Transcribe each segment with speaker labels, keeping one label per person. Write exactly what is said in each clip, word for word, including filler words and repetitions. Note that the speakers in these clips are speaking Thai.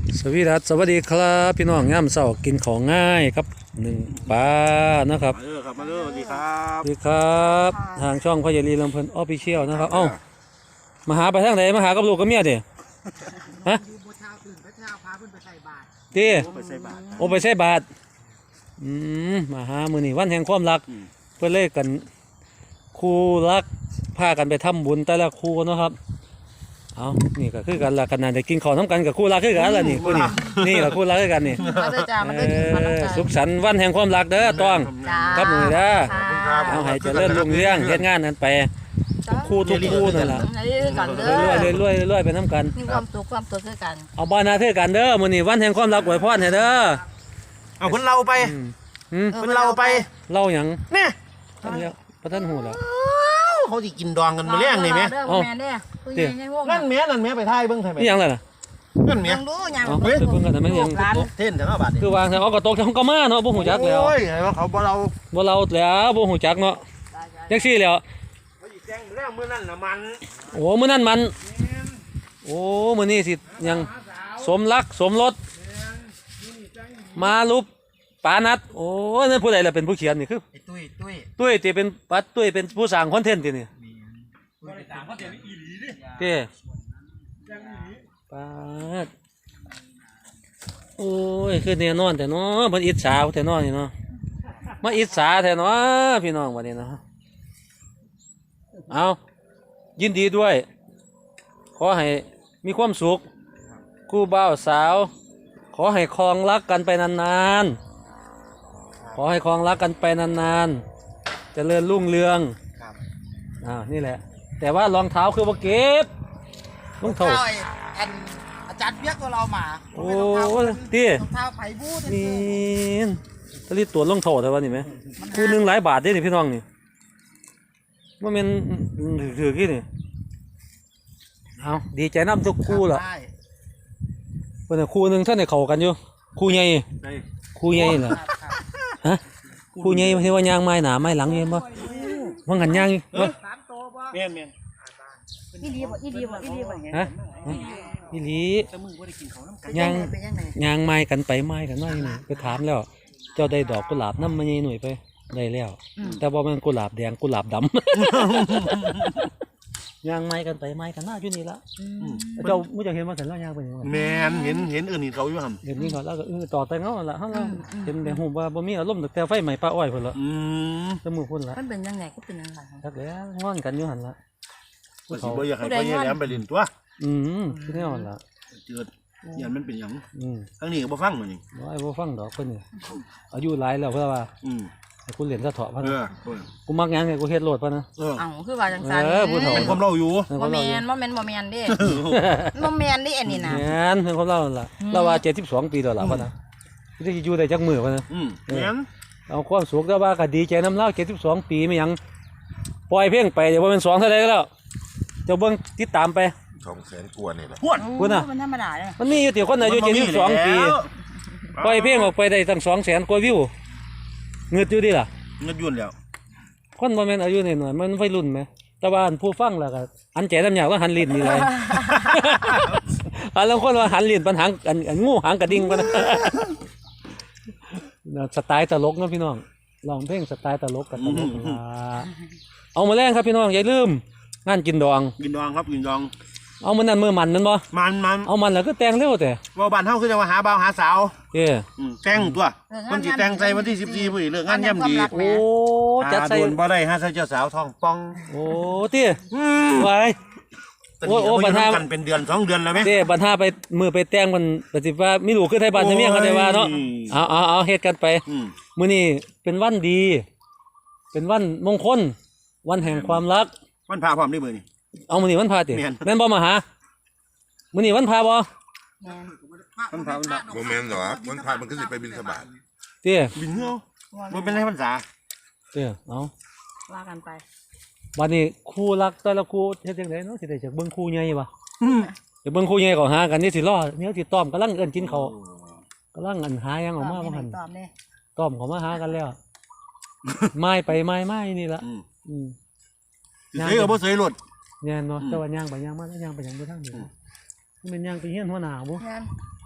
Speaker 1: สวีดัสสวัสดีครับพี่น้องย่ำเสากินของง่ายครับหนึ่งปลานะครับ
Speaker 2: มาเด้อครับมาเด้อสวัสดีครับ
Speaker 1: สวัสดีครับทางช่องพ่อใหญ่ลีลำเพลินออฟฟิเชียลนะครับเอ้ามาหาไปทางไหนมาหากับลูกกับเมียดิฮะตีโอไปใส่บาทอืมมาหามือนี่วันแห่งความรักเพื่อเล่กันคู่รักพากันไปทำบุญแต่ละคู่นะครับเอานี่ก็คือกันละขนาดได้กินข้าวน้ำกันกับคู่รักคือกันละนี่คู่นี่นี่ละคู่รักคือกันนี่สุขสันต์วันแห่งความรักเด้อต้องครับหนุ่ยเด้อเอาให้เจริญรุ่งเรืองเฮ็ดงานนั้นไปทุกคู่ทุกคู่นั่นแหละเรื่อยเรื่อยเรื่อยไปน้ำกัน
Speaker 3: มีความสุขความสุขคือกัน
Speaker 1: เอาบ้านนาเท่อกันเด้อมื้อนี้วันแห่งความรักอวยพรให้เด้อ
Speaker 2: เอาเพิ่นเราไปเพิ่นเราไป
Speaker 1: เล่าหยัง
Speaker 2: เนี่ย
Speaker 1: ท่านแล้วพระท่านหูแล้ว
Speaker 2: เขาสิกินดองกันมาเลี้ยงนี่มั้ย
Speaker 3: อ๋อแม่เด้อ
Speaker 2: นั่นแม่นั่นแม่ไปถ่ายเบิ่งไผแม่
Speaker 1: นี่หยังล่ะ
Speaker 2: นั่นแม่
Speaker 3: ยังรู้ยัง
Speaker 1: เฮ้ยเพิ่นก็ทำให้ยัง
Speaker 2: เท่นแต่ว่าบาด
Speaker 1: คือวางแต่เอาก็ตกเขาก็มาเนาะบ่ฮู้จักแล้ว
Speaker 2: โอ้ยให้ว่าเขาบ่เรา
Speaker 1: บ่เราแล้วบ่ฮู้จักเนาะจังซี่แล้ว
Speaker 2: เขาสิแจ้งแล้วมื้อนั้นน่ะมัน
Speaker 1: โอ้มื้อนั้นมันโอ้มื้อนี้สิยังสมรักสมรสมาลุบปานัดโอ้นั่นผู้ใดล่ะเป็นผู้เขียนนี่คือ
Speaker 2: ตุ้ยตุ้ย
Speaker 1: ตุ้ยที่เป็นปัดตุ้ยเป็นผู้สร้างคอนเทนต์ที่นี่เต้ปาดโอ้ยคือแน่นอนแต่เนาะมันอิจฉาแต่นอนนี่เนาะมาอิจฉาแต่เนาะพี่น้องวันนี้เนาะเอายินดีด้วยขอให้มีความสุขคู่บ่าวสาวขอให้ครองรักกันไปนานๆขอให้ครองรักกันไปนานๆเจริญรุ่งเรืองอ่านี่แหละแต่ว่ารองเท้าคือว่าเก็บรองเท้า
Speaker 3: อันอาจารย์เปียกตัวเรามา
Speaker 1: โอ้ตี
Speaker 3: รองเท้าไผ่บูด
Speaker 1: นี่ตะลีตัวรองเท้าแต่ว่านี่ไหมคู่หนึ่งหลายบาทได้นี่พี่น้องนี่ว่ามันถือกี่นี่เอาดีใจน้ำทุกคู่ละเป็นคู่หนึ่งท่านในเข่ากันอยู่คู่ใหญ่คู่ใหญ่เหรอฮะคู่ใหญ่ที่ว่ายางไม้หนาไม้หลังเห็นป่ะว่างหันยางป่ะ
Speaker 2: เมียนเมียน
Speaker 3: อีดีบ่อีดีบ่อีดีบ่
Speaker 1: ฮะอีหลียางยางไม้กันไปไม้กันน้อยนี่ไปถามแล้วเจ้าได้ดอกกุหลาบน้ำมันยังหน่วยไปได้แล้วแต่ว่ามันกุหลาบแดงกุหลาบดำยางไม้กันไปไม้กันหน้าอยู่นี่ละเจ้าไม่จะเห็นว่าแต่ละยางเป็นยังไง
Speaker 2: แมนเห็นเห็นอื่นเขาอยู่ห่
Speaker 1: ำเห็นนี่เขาแล้วก็ต่อแต่เงาละเขาเราเห็นแต่หูว่าบ่มีอารมณ์แต่ไฟใหม่ป้าอ้อยคนละจมูกคนละ
Speaker 3: มันเป็นยังไงก็เป็นยังไง
Speaker 1: ทักแล้วงอนกันอยู่หันละ
Speaker 2: ผู้สิบ่อยากให้พ่อใหญ่แหลมไปเล่นตัว
Speaker 1: อืมคือแน่นอนละ
Speaker 2: เจิดยันมันเป็นหยัง
Speaker 1: อืม
Speaker 2: ทั้งนี้ก็บ่ฟังมันนี่
Speaker 1: ไอ้บ่ฟังดอกคนนี่อายุหลายแล้วเพื่อว่า
Speaker 2: อืม
Speaker 1: กูเรียนซะเถาะพัน
Speaker 2: เออ
Speaker 1: กูมักยังไงกูเฮ็ดโหลดพันนะ
Speaker 3: เออคือว่าจังซั่น
Speaker 2: เป็นความเล่าอยู่
Speaker 3: บ่แม่นบ่แม่นบ่แม่นเด้บ่แม่นดิอันนี้นะ
Speaker 1: แม่นเป็นความเล่าล่ะเราว่าเจ็ดสิบสองปีแล้วล่ะพันนะที่จะอยู่ได้จักมือพันนะ
Speaker 2: อืมแม่น
Speaker 1: เอาความสุขแต่ว่าก็ดีใจน้ำเล่าเจ็ดสิบสองปีไม่ยังปล่อยเพลงไปเดี๋ยวว่าเป็นสองเท่าไรก็แล้วเจ้าเบิ้งติดตามไป
Speaker 4: สองแสนกว่านี่แหละ
Speaker 2: พวด
Speaker 1: พวดน่ะ
Speaker 3: มันธรรมดาเลย
Speaker 1: มันมีอยู่เดี๋ยวคนอายุเจ็ดสิบสองปีปล่อยเพลงออกไปได้ตั้งสองแสนกว่าวิวเงินอยู่ดิล่ะ
Speaker 2: เงินยุ่นแล้ว
Speaker 1: คนบ่แม่นอายุน้อยๆมันวัยรุ่นไหมแต่ว่าผู้ฟังล่ะก็อันแจ๋น้ำยาว่าหันลิ้นนี่เลยอันแล้วคนว่าหันลิ้นปัญหาอันงูหางกระดิ่งปะนะสไตล์ตลกนะพี่น้องลองเพลงสไตล์ตลกกับตลกเอามาแรงครับพี่น้องอย่าลืมงานกินดอง
Speaker 2: กินดองครับกินดอง
Speaker 1: เอามันนั่นมือมันนั่นบ่
Speaker 2: มันมัน
Speaker 1: เอามันแล้วก็แต่งเร็วแต่
Speaker 2: ว่าบ้านเฮาคือจะมาหาบ่าวหาสาว
Speaker 1: เอ้
Speaker 2: แต่งตัวมันสิแต่งใส่วันที่สิบสี่พุ่นเลิกงานย่ำดี
Speaker 1: โอ้จัดใส่
Speaker 2: บ่ได้หาใส่เจ้าสาวทองป่อง
Speaker 1: โอ้ติไว้
Speaker 2: โอ้โอ้บรรทากันเป็นเดือนสองเดือนแล้วมั้ย
Speaker 1: เด้บรรทาไปมือไปแต่งมันปฏิว่ามีลูกคือไทยบ้านไทยเมียกันได้ว่าเนาะเอาเอาเอาเฮ็ดกันไปมื้อนี้เป็นวันดีเป็นวันมงคลวันแห่งความรัก
Speaker 2: วันพาพร้อมได้มื้อนี้
Speaker 1: เอามื้อนี้วันพาติแม่นบ่มาหามื้อนี้วันพาบ่
Speaker 2: วันพาวันพา
Speaker 4: บ่แม่นหรอวันพามันก็สิไปบิณฑบาต
Speaker 1: เตี้ย
Speaker 2: บินเนาะบ่เป็นไรพรรษา
Speaker 1: เตี้ยเอา
Speaker 3: ว่ากันไป
Speaker 1: บัดนี้คู่รักแต่ละคู่เฮ็ดจังได๋เนาะสิได้จากเบิ่งคู่ใหญ่บ่อือจะเบิ่งคู่ใหญ่ก็หากันนี่สิรอเนี่ยสิต้อมกำลังเอิ้นกินข้าวกำลังอันหายังออกมาบ่หั่นต้อมเด้ต้อมเขามาหากันแล้วไม้ไปไม้ไม้นี่ล่ะอืม
Speaker 2: เสยก็บ่เสยรถ
Speaker 1: แม่นเนาะแต่ว่าย่างไปย่างมาแล้วย่างไปย่างไปทางนี้มันย่างไปเฮียนหัวหน้าบ่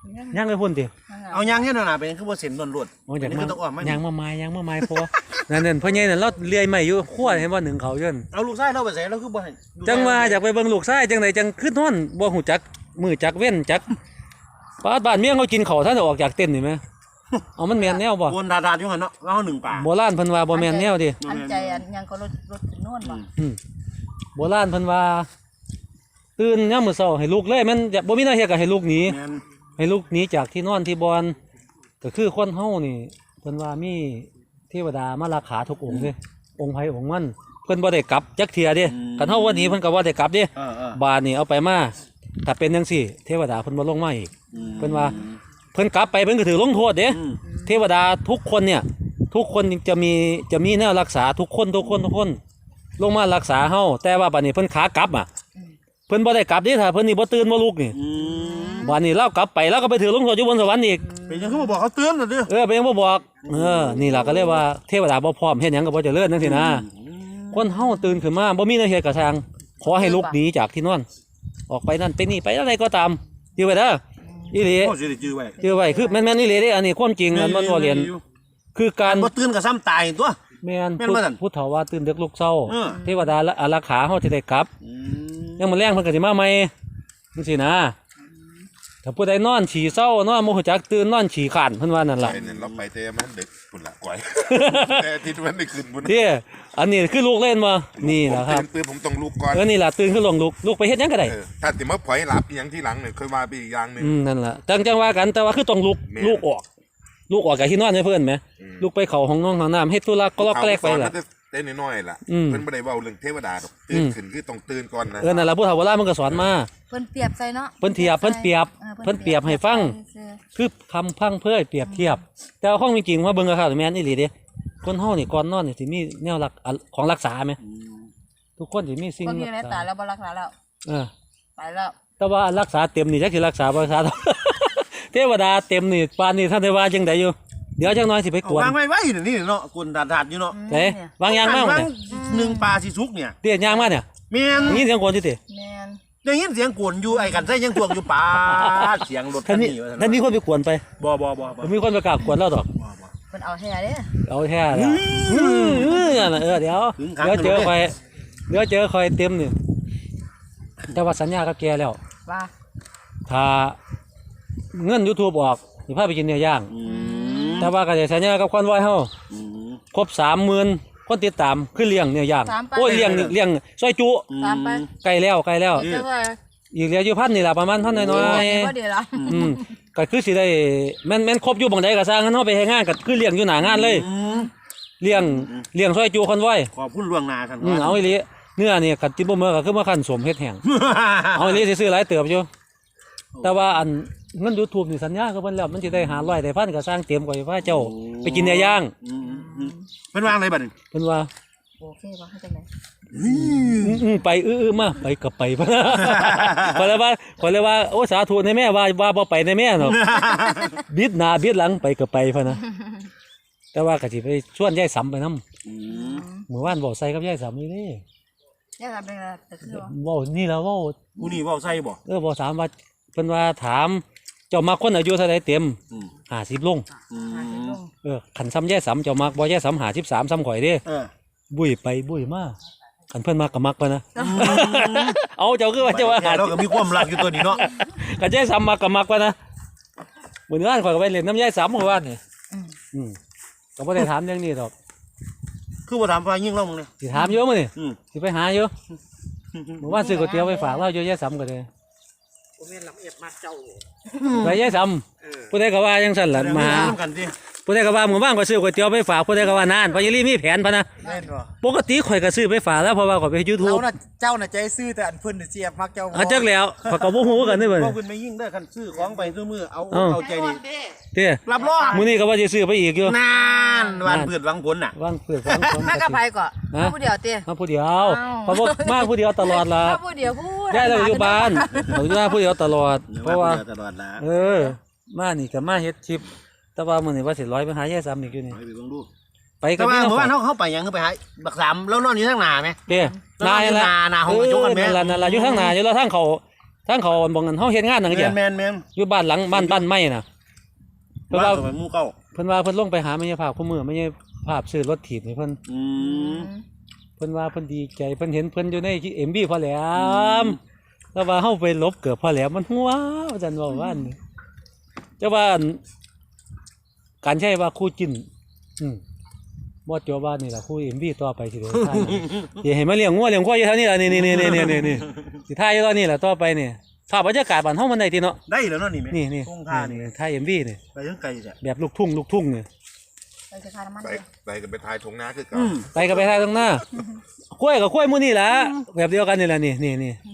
Speaker 1: ย่างไปพุ่นติ
Speaker 2: เอายางเฮ็ดหน้าเป็นคือบ่เส้นล้วน
Speaker 1: โอ้อยาก
Speaker 2: นี่
Speaker 1: มา
Speaker 2: คือต้องอ้อมมา
Speaker 1: ย่างมาไม้ย่างมาไม้พอนั่นนั่นพ่อใหญ่นั่นเราเลื่อยไม้อยู่ขั้วเห็นบ่หนึ่งเขาเยิน
Speaker 2: เอาลูกชายเราไปใส่เราคือบ่ให้
Speaker 1: จังว่าอยากไปเบิ่งลูกชายจังไดจังขึ้นนอนบ่ฮู้จักมือจักเว้นจักป้าบ้านเมียงเขากินข้าวท่านออกจากเต็นท์นี่แม่เอามันแม่นแนวบ่
Speaker 2: วนดาดๆอยู่หั่นเนาะว่าเฮาหนึ่งป่า
Speaker 1: โบราณเพิ่นว่าบ่แม่นแนวดิ
Speaker 3: อันใจอันยังก็รถรถขึ้นโน่นบ่
Speaker 1: อืมโบราณเพิ่นว่าตื่นยามมื้อเช้าให้ลูกเลยแม่นบ่มีแนวเฮ็ดก็ให้ลูกหนี
Speaker 2: แม่น
Speaker 1: ให้ลูกหนีจากที่นอนที่บอนก็คือคนเฮานี่เพิ่นว่ามีเทวดามารักขาทุกองค์เด้องค์ไผองค์มันเพิ่นบ่ได้กลับจักเที่ยเด้คันเฮาวันนี้เพิ่นก็บ่ได้กลับเด้
Speaker 2: เออเออ
Speaker 1: บาดนี่เอาไปมาถ้าเป็นจังซี่ เทวดาเพิ่นบ่ลงมาอีก เพิ่นว่า เพิ่นกลับไปเพิ่นก็ถือลงโทษเด้
Speaker 2: อืม
Speaker 1: เทวดาทุกคนเนี่ย ทุกคนจะมีจะมีแนวรักษาทุกคนทุกคนทุกคน ลงมารักษาเฮาแต่ว่าบัดนี้เพิ่นขากลับอ่ะเพิ่นบ่ได้กลับเด้ถ้าเพิ่นนี่บ่ตื่นบ่ลุกนี่
Speaker 2: อืม
Speaker 1: บัดนี้เรากลับไปแล้วก็ไปถือลงโทษอยู่บนสวรรค์อีก
Speaker 2: เป็นจังคือบ่บอกเขาเตือนน่ะเด้อ
Speaker 1: เออไปยังบ่บอกเออนี่ล่ะก็เรียกว่าเทวดาบ่พร้อมเฮ็ดหยังก็บ่เจริญจังซี่นะคนเฮาตื่นขึ้นมาบ่มีแนวเฮ็ดก็ทางขอให้ลุกหนีจากที่นอนออกไปนั่นไปนี่ไปอะไรก็ตามจือไว้เด้ออีหลี
Speaker 2: โอ้สิได้จื้อไว้
Speaker 1: จือไว้คือแม่นๆอีหลีเด้อันนี้ความจริงอันมันบ่เรียนคือการ
Speaker 2: บ่ตื่นก็ซ้ำตายตัว
Speaker 1: แม่น
Speaker 2: แม่น
Speaker 1: พุท
Speaker 2: บ่
Speaker 1: ธ
Speaker 2: นั่น
Speaker 1: พุทธว่าตื่นดึกลุกเช้า
Speaker 2: เออ
Speaker 1: เทวดาอารักขาเฮาจะได้กลับ
Speaker 2: อืม
Speaker 1: ยังมื้อแลงเพิ่นก็สิมาใหม่จังซี่นะถ้าผู้ใดนอนฉี่เศร้านอนบ่ฮู้จักตื่นนอนฉี่ข้านเพิ่นว่านั่นล่ะ
Speaker 4: ไปเนี่ยเราไปแต่มันดึกพุ่นละก่อย แต่อาทิตย์มันได้คืนบุญ
Speaker 1: เด้อันนี้คือลูกเล่นบ่นี่ล่ะครับ
Speaker 4: ผมตื่นผมต้องลุกก่อน
Speaker 1: เออนี่ล่ะตื่นขึ้นลงลุกลุกไปเฮ็ดหยังก็ได้
Speaker 4: เออถ้าติมาปล่อยหลับอหยังที่หลังเนี่ยเคยมาไปอีกอย่างหนึง
Speaker 1: อืมนั่นล่ะจังจังว่ากันแต่ว่าคือต้องลุก
Speaker 4: แม่
Speaker 1: ลุกออกลุกออกจากที่นอนให้เพิ่นแหม
Speaker 4: อืม
Speaker 1: ลุกไปเข้าห้องนอนห้องน้ำเฮ็ดธุระก็ล็อกแกลกไปล่ะ
Speaker 4: เขาสอนมาแต่น้อยๆล่ะ
Speaker 1: อืม
Speaker 4: เพิ่นบ่ได้เว้าเรื่องเทวดาดอกตื่น
Speaker 1: อืม
Speaker 4: ขึ้นคือต้องตื่นก่อนนะ
Speaker 1: เออนั่นล่ะผู้เฒ่าโบราณมันก็สอนมา
Speaker 3: เพิ่นเปรียบใส่เนาะ
Speaker 1: เพิ่นเทียบเพิ่นเปรียบ
Speaker 3: ออ
Speaker 1: เพิ่นเปรียบให้ฟัง คือคำพังเพื่อเปรียบเทียบ แต่ว่าของจริงๆว่าเบิ่งกับข้าวแม่นอีหลีเด้คนเฮานี่ก่อนนอนนี่สิมีแนวรักอะของรักษาไหมทุกคนสิมีสิ่ง
Speaker 3: เพิ่นอยู่ใน
Speaker 1: รัก
Speaker 3: ตา
Speaker 1: ษา
Speaker 3: แล้วบ่รักษาแล้ว
Speaker 1: เออ
Speaker 3: ไปแล้ว
Speaker 1: แต่ว่าอันรักษาเต็มนี่จักสิรักษาบ่รักษา เทวดาเต็มนี่ปานนี้ท่านได้ว่าจังไดอยู่เดี๋ยวจักหน่อยสิไปก
Speaker 2: เอา
Speaker 1: วน
Speaker 2: วางไว้ไว้นี่เนาะกวนดาดๆอยู่เนาะ
Speaker 1: เด้วางยางมา
Speaker 2: ว่
Speaker 1: เนี่ย
Speaker 2: หนึ่งปลาสิสุกเนี่ย
Speaker 1: เตี้ยยางมาเนี่ย
Speaker 2: แม่น
Speaker 1: ได้ยินเสียงกวนอยู่ติ
Speaker 3: แม่น
Speaker 2: ได้ยินเสียงกวนอยู่ไอ้กันใส่ยังกวงอยู่ปลาเสียงรถคั
Speaker 1: ท่าน
Speaker 2: น
Speaker 1: นี้
Speaker 2: นี้ว่าซั่น
Speaker 1: ท่านนี้คนไปกวนไป
Speaker 2: บ่บ่บ่บ่
Speaker 1: มีคนไปกราบกวนแล้วดอก
Speaker 2: บ่บ่
Speaker 3: เพิ่นเอาแท้เด้อ
Speaker 1: เอาแท้แล้วอือเออนั่นน่ะเออเดี๋ยว
Speaker 2: ถึงครั้ง
Speaker 1: เดี๋ยวเจอ
Speaker 2: กันเลย
Speaker 1: คอยเดี๋ยวเจอคอยเต็มนี่แต่ว่าสัญญากับแกแล้ว
Speaker 3: ว่า
Speaker 1: ถ้าเงิน YouTube ออกสิพาไปกินเนื้อย่าง
Speaker 2: อืม
Speaker 1: แต่ว่าก็จะสัญญากับคอนไว้เฮา
Speaker 2: อืม
Speaker 1: ครบ สามหมื่น คนติดตามคือเลี้ยงเนื้อย่าง
Speaker 3: ตามไป
Speaker 1: โอ้ยเลี้ยงนี่เลี้ยงซอยจุ
Speaker 3: ตามไป
Speaker 1: ใกล้แล้วใกล้แล้ว
Speaker 3: เจ้าว่า
Speaker 1: อีกเหลืออยู่พันนี่ล่ะประมาณพันน้อย
Speaker 3: บ่ดีละ
Speaker 1: ๆอืมก็คือสิได้แม่นแม่นครบอยู่บังใดก็สร้างเฮาไปเฮ็ดงานก็คือเลี้ยงอยู่หน้างานเลย
Speaker 2: อืม
Speaker 1: เลี้ยงเลี้ยงซอยจุคอนไว้
Speaker 2: ขอบคุณล่วงหน้าท่าน
Speaker 1: อืมเอาอีหลีเนื้อนี่คันจิบ่มื้อก็คือมาคั่นสมเฮ็ดแห้ง เอาอีหลีสิซื้อหลายเติบอยู่แต่ว่าอันเงิน YouTube นี่สัญญากับเพิ่นแล้วมันสิได้ห้าร้อยได้พันก็สร้างเต็มกว่าพระเจ้าไปกินเนื้อย่าง
Speaker 2: อืมอืมเป็นวางอะไรบัดนี้
Speaker 1: เพิ่นว่า
Speaker 3: โอเคบ่ให้จังได๋
Speaker 1: อืมๆไปอื้อๆมาไปก็ไปพะนะ ขอยเลยว่าขอยเลยว่าโอ้สาธุในแม่ว่าว่าบ่ไปในแม่เนาะ บิดหน้าบิดหลังไปก็ไปพะนะแต่ว่าก็สิไปชวนยายสำไปนำ
Speaker 2: อืม
Speaker 1: เมื่อวานเว้าใส่กับยายสำนี่เด้
Speaker 3: เนี่ยก็เป็นแต่คือว่า
Speaker 1: เว้านี่ล่ะเว้า
Speaker 2: กูนี่เว้าใส่บ่
Speaker 1: เออบ่ถามว่าเพิ่นว่าถามเจ้ามักคนอายุเท่าใดเต็ม
Speaker 2: อืม
Speaker 1: ห้าสิบลง
Speaker 2: อื
Speaker 3: หาสิ
Speaker 2: ม
Speaker 3: ลง
Speaker 1: เออคันซ้ำยายสำเจ้ามักบ่ยายสำห้าสิบสามซ้ำข่อยเด้
Speaker 2: เออ
Speaker 1: บุ้ยไปบุ้ยมาคันเพิ่นมักก็มักไปนะ เอาเจ้าคือว่าเจ้าว่า
Speaker 2: แกเราก็มีความรักอยู่ตัวนี้เนาะ
Speaker 1: กันยายซ้ำมักก็มักไปนะมื้อนี้ข่อยก็ไปเล่นน้ำยายซ้ำเมื่อวานนี่
Speaker 3: อืม
Speaker 1: อืมก็บ่ได้ถามเรื่องนี้ดอก
Speaker 2: คือบ่ถามว่ายิ่งเรามึงเนี่ย
Speaker 1: สิถามเยอะมื้อนี่
Speaker 2: อืม
Speaker 1: สิไปหาอยู่เมื่อวานซื้อก๋วยเตี๋ยวไปฝากเราอยู่ยายซ้ำก็ได้
Speaker 2: ผมเห็นลำเอียดมากเจ้า
Speaker 1: ไปยายซ้ำผู้ใดก็ว่าจังซั่นล่ะมาหา
Speaker 2: กันสิ
Speaker 1: ผู้ใดก็ว่าหมู่บ้านก็ซื้อก๋วยเตี๋ยวไปฝากผู้ใดก็ว่านานเพราะยายลี่มีแผนพะนะ
Speaker 5: แม่นบ่
Speaker 1: ปกติข่อยก็ซื้อไปฝากแล้วเพราะว่าข่อยไป
Speaker 5: เรา
Speaker 1: YouTube
Speaker 5: น่ะเจ้าน่ะใจซื่อแต่อันเพิ่นน่ะเสียบมักเจ้าบ่
Speaker 1: เอาจักแล้วข่อยก็บ่ฮู้กันนี่เบิ่
Speaker 2: พวกคุณไม่ยิ่งได้อคันซื้อของไปซื้อมือเอา
Speaker 1: เอ้า
Speaker 2: เอาใจนี่
Speaker 1: เด้อ
Speaker 2: รับรอง
Speaker 1: มื้อนี้ก็ว่าสิซื้อไปอีกอยู่
Speaker 2: นานวันเปิดวังผลน่ะ
Speaker 1: วางเพื่อนวางคน
Speaker 3: มากับไผก่อน
Speaker 1: ฮะ
Speaker 3: มาผู้เดียวติ
Speaker 1: มาผู้เดียว
Speaker 3: อ้าว
Speaker 1: เพราะว่ามาผู้เดียวตลอดละ
Speaker 3: มาผู้เดียวพูด
Speaker 1: ได้เราอยู่บ้านเราอยู่บ้านผู้เดียวตลอด เพราะว่า
Speaker 2: ตลอดละ
Speaker 1: เออ มานี่ก็มาเฮ็ดคลิป แต่ว่ามื้อนี้ว่าสิร้อยไปหายายซ้ำอีกอยู่นี่
Speaker 2: ไปเบิ่งดู
Speaker 1: ไปกั
Speaker 2: แต่
Speaker 1: บ
Speaker 2: ว่า
Speaker 1: พี่น้อง
Speaker 2: เมื่อวานเขาเขาไปยังเขาไปหาบักสามแล้วนอนอยู่ทางหน้าไหม
Speaker 1: เด้นายละ
Speaker 2: นานาห้องกระจกกันแม่
Speaker 1: เออนั่นล่ะนั่นล่ะอยู่ทางหน้าอยู่แล้วทางเขาทางเขาบ่งกันเฮาเฮ็ดงานนั่น
Speaker 2: แม
Speaker 1: เด้
Speaker 2: นแมนแมน
Speaker 1: อยู่บ้านหลังบ้านบ้านไม้น่ะเพิ่น
Speaker 2: บ้า
Speaker 1: ว่า
Speaker 2: นสมัยหมู่เก่า
Speaker 1: เพิ่นว่าเพิ่นลงไปหาแม่ยายภาพคู่มือแม่ยายภาพซื้อรถถีบให้เพิ่น
Speaker 2: อืม
Speaker 1: เพิ่นว่าเพิ่นดีใจเพิ่นเห็นเพิ่นอยู่ใน เอ็ม วี พอแหลมแล้วว่าเฮาไปลบเกือบพอแหลมมันหัวว่าซั่นว่าว่าอันนี้แต่ว่าอันการใช้ว่าคู่จิ้นอืมบ่จบว่านี่ล่ะคู่ เอ็ม วี ต่อไปสิได้ถ่ายสิให้มาเลี้ยงงัวเลี้ยงควายอยู่แถวนี้ล่ะนี่ๆๆๆๆสิถ่ายอยู่ตอนนี้ล่ะต่อไปนี่ภาพบรรยากาศบ้านเฮามันได้ติเนาะ
Speaker 2: ได้แล้วเนาะนี่แม่
Speaker 1: นี่นี่
Speaker 2: ตรงท่านี่
Speaker 1: ถ่าย เอ็ม วี นี่
Speaker 2: ไปยังไกลจ้ะ
Speaker 1: แบบลูกทุ่งลูกทุ่งนี่
Speaker 3: ไปจะทานน้ำมัน
Speaker 4: ไป
Speaker 3: เลย
Speaker 4: ไปกันไปทายทงนาคือเก่า
Speaker 2: อืม
Speaker 1: ไปก็ไปถ่ายตรงหน้าควายกับควายหมู่นี่ล่ะแบบเดียวกันนี่ล่ะนี่นี่ๆ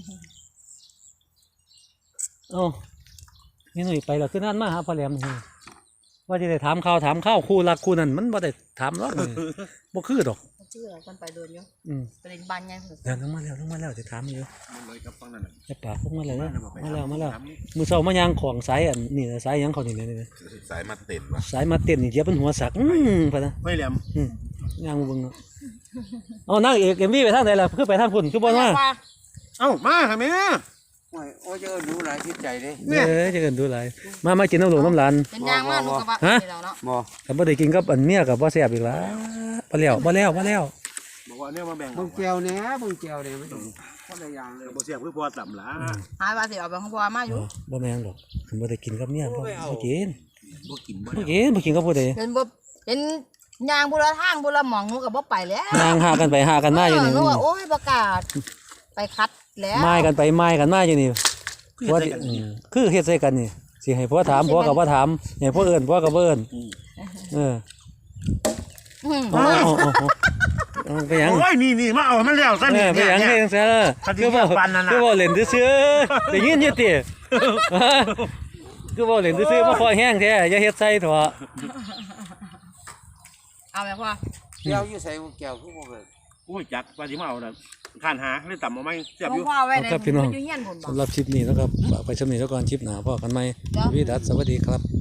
Speaker 1: เอ้านี่หนุ่ยไปแล้วคือนั่นมาหาพ่อแหลมนี่ว่าจะได้ถามข่าวถามข้าวคู่รักคู่นั้นมันบ่ได้ถามหรอกนี่บ่คือดอก
Speaker 3: ชื่ออะไรคนไปโดนอยู่
Speaker 1: อืม
Speaker 3: ประเด็นบานไง
Speaker 1: เดี๋ยวลงมาแล้วลงมาแล้วจะถามอยู่
Speaker 2: มันเลยกับฟังนั่นน่ะ
Speaker 1: จะปากพวกมาแล้วนะ
Speaker 2: ไป
Speaker 1: มาแล้วมาแล้ว
Speaker 2: ถาม
Speaker 1: มือเช้ามายางของสายอันนี่นะสายหยังเขานี่นี่
Speaker 4: สายมาเต็นวะ
Speaker 1: สายมาเต้นนี่เหยียบเป็นหัวสักอืมพะนะ
Speaker 2: ไม่แหลม
Speaker 1: อืมยางเบิ่งเนาะเอานางเอก เอ็ม วี ไปทางใดล่ะคือไปทางพุ่นคือบ่มา
Speaker 2: เอ้ามาค่ะแม่
Speaker 5: โอ้ยโอ้ยเจอดูหลายจิตใจเด้
Speaker 1: เอ้ยจะเกินดูหลายมามากินน้ำหลวงน้ำหลาน
Speaker 3: เป็นยางมากลูกกระบะ
Speaker 1: ฮะ
Speaker 3: นี่แล้วเนาะ
Speaker 5: บ่
Speaker 1: ถ้าบ่ได้กินกับอันเมียก็บ่แซ่บอีกล่ะบ่แล้วบ่แล้วบ่แล้ว
Speaker 2: บอกว่าเนี่ยมาแบ่ง
Speaker 5: เบิ่งแก้วแหน่เบิ่งแก้วแหน่ไม่ต้องคนละอย่างเลย
Speaker 2: บ่เสียบคือพอต่ำหลา
Speaker 3: หายว่าสิเอาไปของบัวมาอยู่
Speaker 1: บ่แม่นดอกคันบ่ได้กินกับเมียบ่บ่กิน
Speaker 2: บ่กินบ่
Speaker 1: บ่กินบ่กินกับผู้ใด
Speaker 3: เห็นบ่เห็นยางบุรทางบุรหมองหนูกับบ่ไปแล้ว
Speaker 1: นางหากันไปหากันมาอยู่นี่
Speaker 3: หนูว่าโอ้ยประกาศไปคัดแล้ว
Speaker 1: ไม้กันไปไม้กันมาอยู่นี่ว่าที่อืมคือเฮ็ดใส่กันนี่สิให้ผัวถามผัวก็บ่ถามให้ผัวเอิ้นผัวก็บ่เอิ้นเออ
Speaker 3: อืม
Speaker 1: เอาเอาเอาเอาเอาไปหยัง
Speaker 2: โอ้ยนี่นี่มาเอามันแล้วซะ
Speaker 1: เอ
Speaker 2: นี่
Speaker 1: อไปหยัง
Speaker 2: เนี่
Speaker 1: เฮ็
Speaker 2: ย
Speaker 1: ดจังซั่นล่ะ
Speaker 2: คันที่
Speaker 1: คือบ่
Speaker 2: ปานนั้นน่ะ
Speaker 1: คือบ่เล่นซื่อๆได้ยินอยู่ติคือบ่เล่นซื่อๆบ่พอแห้งแท้อย่าเฮ็ดใส่เถอะ
Speaker 3: เอาไหมพ่อ
Speaker 5: แก้วอยู่ใส่แก้วคือบ่เบิ่ง
Speaker 2: โอ้ยจักว่าสิมาเอาน่ะข้านหาเลยต่ำเอาไหมเสียบ
Speaker 3: ขอ
Speaker 2: อง ยู่
Speaker 3: พ่อไว้ในอยู่เฮียนผมบอก
Speaker 1: สำหรับคลิปนี้นะครับฝากไปชมนี้แล้วก่อนคลิปหน้าพอกันใหม่
Speaker 3: จ้ะ
Speaker 1: วิดัสสวัสดีครับ